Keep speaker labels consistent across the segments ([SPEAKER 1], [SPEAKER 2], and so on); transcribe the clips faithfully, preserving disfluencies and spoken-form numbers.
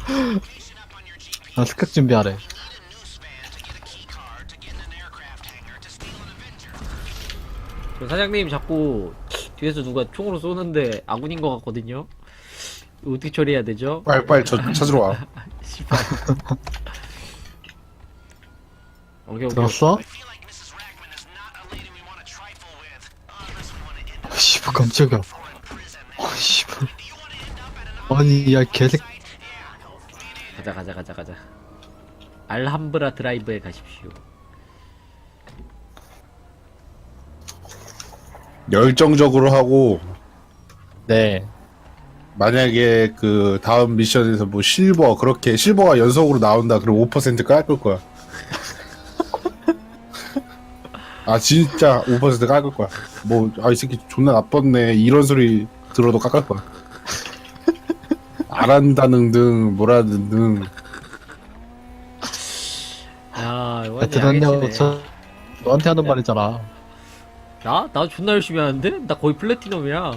[SPEAKER 1] 아, 습격 준비하래.
[SPEAKER 2] 저 사장님 자꾸 뒤에서 누가 총으로 쏘는데 아군인 것 같거든요. 이거 어떻게 처리해야 되죠?
[SPEAKER 3] 빨리 빨리 저 찾으러 와.
[SPEAKER 2] 씨발. 오케이 오케이.
[SPEAKER 1] 들었어? 아, 씨발, 깜짝이야. 아, 씨발. 아니, 야, 개새
[SPEAKER 2] 가자 가자 가자 가자. 알함브라 드라이브에 가십시오.
[SPEAKER 3] 열정적으로 하고
[SPEAKER 1] 네.
[SPEAKER 3] 만약에 그 다음 미션에서 뭐 실버 그렇게 실버가 연속으로 나온다 그럼 오 퍼센트 깎을 거야. 아 진짜 오 퍼센트 깎을 거야. 뭐 아 이 새끼 존나 나빴네 이런 소리 들어도 깎을 거야. 안 한다는 등 뭐라는 등.
[SPEAKER 2] 야 이거
[SPEAKER 1] 야,
[SPEAKER 2] 완전
[SPEAKER 1] 들었냐고,
[SPEAKER 2] 야개치네.
[SPEAKER 1] 저, 너한테 하는 말이잖아.
[SPEAKER 2] 나? 나 존나 열심히 하는데? 나 거의 플래티넘이야.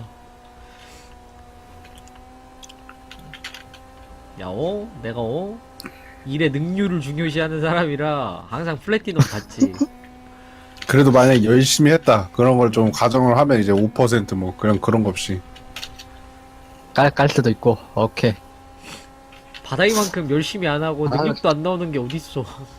[SPEAKER 2] 야, 어? 내가 어? 일의 능률을 중요시하는 사람이라 항상 플래티넘 받지.
[SPEAKER 3] 그래도 만약에 열심히 했다 그런 걸 좀 가정을 하면 이제 오 퍼센트 뭐 그런 그런 거 없이.
[SPEAKER 1] 깔, 깔 수도 있고, 오케이.
[SPEAKER 2] 바닥이만큼 열심히 안 하고
[SPEAKER 1] 아.
[SPEAKER 2] 능력도 안 나오는 게 어딨어.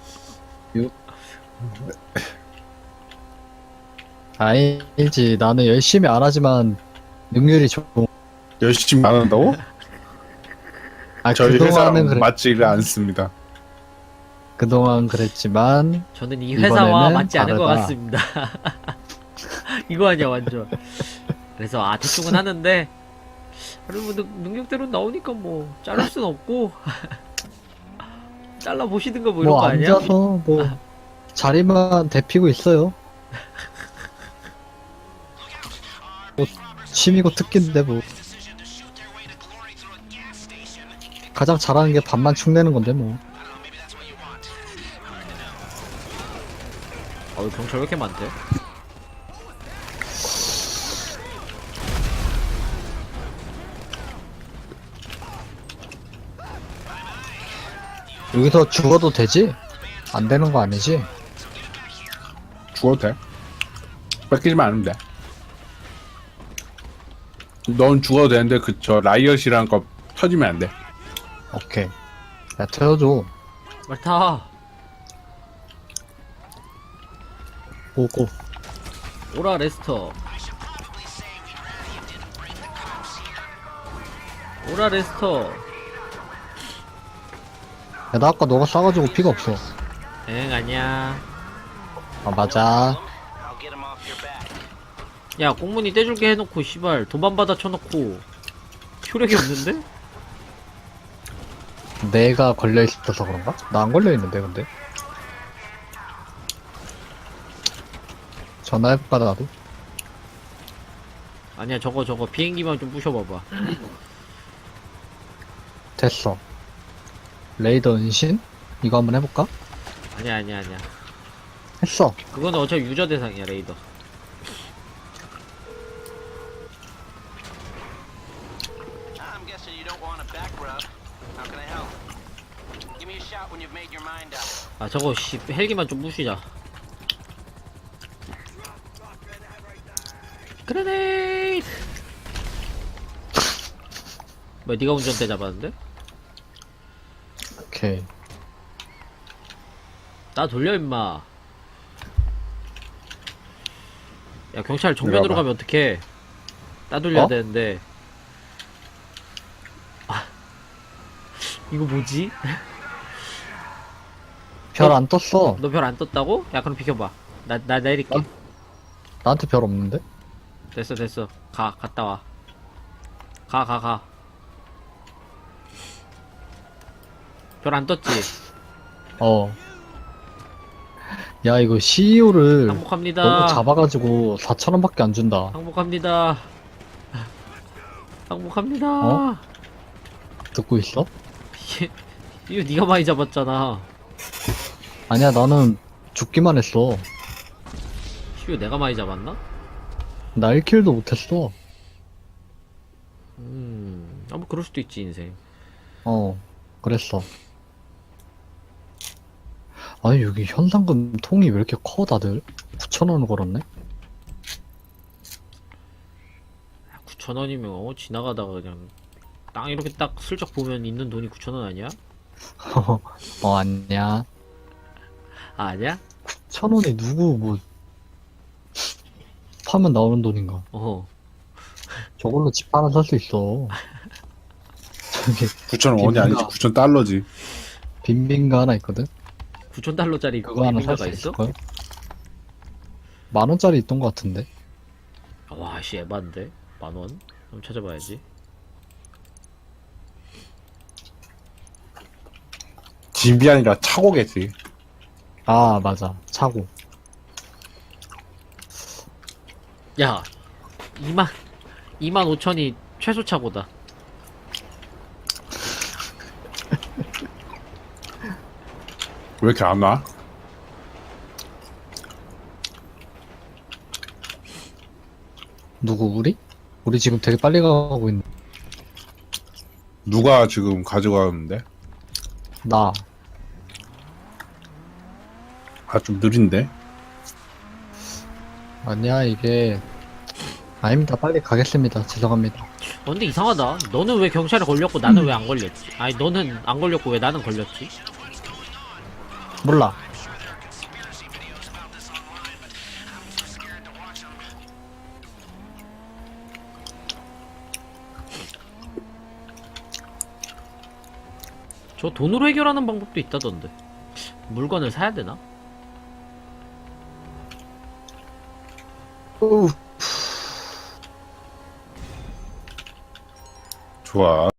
[SPEAKER 1] 아니지, 나는 열심히 안 하지만, 능률이 좋고.
[SPEAKER 3] 열심히 안 한다고?
[SPEAKER 1] 아,
[SPEAKER 3] 저희
[SPEAKER 1] 그동안은
[SPEAKER 3] 회사랑
[SPEAKER 1] 그래,
[SPEAKER 3] 맞지를 않습니다.
[SPEAKER 1] 그동안 그랬지만,
[SPEAKER 2] 저는 이 회사와
[SPEAKER 1] 이번에는
[SPEAKER 2] 맞지 않은 것
[SPEAKER 1] 다르다.
[SPEAKER 2] 같습니다. 이거 아니야, 완전. 그래서, 아, 대충은 하는데, 그래도 뭐 능- 능력대로 나오니까 뭐, 자를 순 없고, 잘라보시든가 뭐 이런
[SPEAKER 1] 뭐,
[SPEAKER 2] 거 아니야?
[SPEAKER 1] 앉아서, 뭐, 자리만 대피고 있어요. 뭐, 취미고 특기인데, 뭐. 가장 잘하는 게 밥만 축내는 건데, 뭐.
[SPEAKER 2] 어우, 경찰 왜 이렇게 많대?
[SPEAKER 1] 여기서 죽어도 되지? 안 되는 거 아니지?
[SPEAKER 3] 죽어도 돼. 뺏기지만 않으면 돼. 넌 죽어도 되는데 그 저 라이엇이라는 거 터지면 안 돼.
[SPEAKER 1] 오케이. 야, 태워줘.
[SPEAKER 2] 말 타.
[SPEAKER 1] 고고.
[SPEAKER 2] 오라 레스터. 오라 레스터.
[SPEAKER 1] 야, 나 아까 너가 쏴가지고 피가 없어.
[SPEAKER 2] 엥 아니야.
[SPEAKER 1] 아, 맞아.
[SPEAKER 2] 야 공문이 떼줄게 해놓고 씨발 도반받아 쳐놓고 효력이 없는데?
[SPEAKER 1] 내가 걸려있어서 그런가? 나 안 걸려있는데, 근데. 전화해볼까, 나도?
[SPEAKER 2] 아니야 저거 저거 비행기만 좀 부셔봐봐.
[SPEAKER 1] 됐어. 레이더 은신? 이거 한번 해볼까?
[SPEAKER 2] 아니야 아니야 아니야.
[SPEAKER 1] 했어.
[SPEAKER 2] 그거는 어차피 유저 대상이야 레이더.
[SPEAKER 4] I'm guessing you don't want a back rub. How can I help? Give me a shout when you've made your mind up.
[SPEAKER 2] 아 저거 씨 헬기만 좀 부시자. 그레네이드. 뭐야 니가 운전대 잡았는데?
[SPEAKER 1] 오케이.
[SPEAKER 2] 나 돌려 임마. 야 경찰 정면으로
[SPEAKER 3] 내려와봐.
[SPEAKER 2] 가면 어떡해. 나 돌려야
[SPEAKER 1] 어?
[SPEAKER 2] 되는데. 아 이거 뭐지?
[SPEAKER 1] 별
[SPEAKER 2] 어?
[SPEAKER 1] 안 떴어.
[SPEAKER 2] 너 별 안 떴다고? 야 그럼 비켜봐. 나 나 내릴게.
[SPEAKER 1] 어? 나한테 별 없는데?
[SPEAKER 2] 됐어 됐어. 가 갔다 와. 가 가 가. 별 안 떴지?
[SPEAKER 1] 어. 야, 이거 씨이오를
[SPEAKER 2] 항복합니다.
[SPEAKER 1] 너무 잡아가지고 사천 원밖에 안 준다.
[SPEAKER 2] 항복합니다. 항복합니다.
[SPEAKER 1] 어? 듣고 있어?
[SPEAKER 2] 이거 네가 많이 잡았잖아.
[SPEAKER 1] 아니야, 나는 죽기만 했어.
[SPEAKER 2] 이거 내가 많이 잡았나?
[SPEAKER 1] 나 일 킬도 못했어.
[SPEAKER 2] 음, 아뭐 그럴 수도 있지 인생.
[SPEAKER 1] 어. 그랬어. 아니, 여기 현상금 통이 왜 이렇게 커, 다들? 구천 원을 걸었네?
[SPEAKER 2] 구천 원이면 어 지나가다가 그냥 땅 이렇게 딱 슬쩍 보면 있는 돈이 구천 원 아니야?
[SPEAKER 1] 어, 아니야.
[SPEAKER 2] 아, 아니야?
[SPEAKER 1] 천 원이 누구, 뭐, 파면 나오는 돈인가.
[SPEAKER 2] 어.
[SPEAKER 1] 저걸로 집 하나 살 수 있어. 저기,
[SPEAKER 3] 구천 원이 아니지
[SPEAKER 1] 빈민가.
[SPEAKER 3] 구천 달러지.
[SPEAKER 1] 빈민가 하나 있거든?
[SPEAKER 2] 구천 달러짜리
[SPEAKER 1] 그거 하나 살
[SPEAKER 2] 빈민가가
[SPEAKER 1] 수
[SPEAKER 2] 있어?
[SPEAKER 1] 있을걸? 만 원짜리 있던 것 같은데?
[SPEAKER 2] 와, 씨, 에반데? 만 원? 한번 찾아봐야지.
[SPEAKER 3] 집이 아니라 차고겠지.
[SPEAKER 1] 아, 맞아. 차고.
[SPEAKER 2] 야, 이만, 이만 오천이 최소 차고다.
[SPEAKER 3] 왜 이렇게 안 와?
[SPEAKER 1] 누구, 우리? 우리 지금 되게 빨리 가고 있는,
[SPEAKER 3] 누가 지금 가져가는데?
[SPEAKER 1] 나.
[SPEAKER 3] 아 좀 느린데?
[SPEAKER 1] 아니야, 이게. 아닙니다. 빨리 가겠습니다. 죄송합니다.
[SPEAKER 2] 어, 근데 이상하다. 너는 왜 경찰에 걸렸고 나는 왜 안 걸렸지? 아니, 너는 안 걸렸고 왜 나는 걸렸지?
[SPEAKER 1] 몰라.
[SPEAKER 2] 저 돈으로 해결하는 방법도 있다던데. 물건을 사야 되나?
[SPEAKER 1] 우
[SPEAKER 3] 좋아.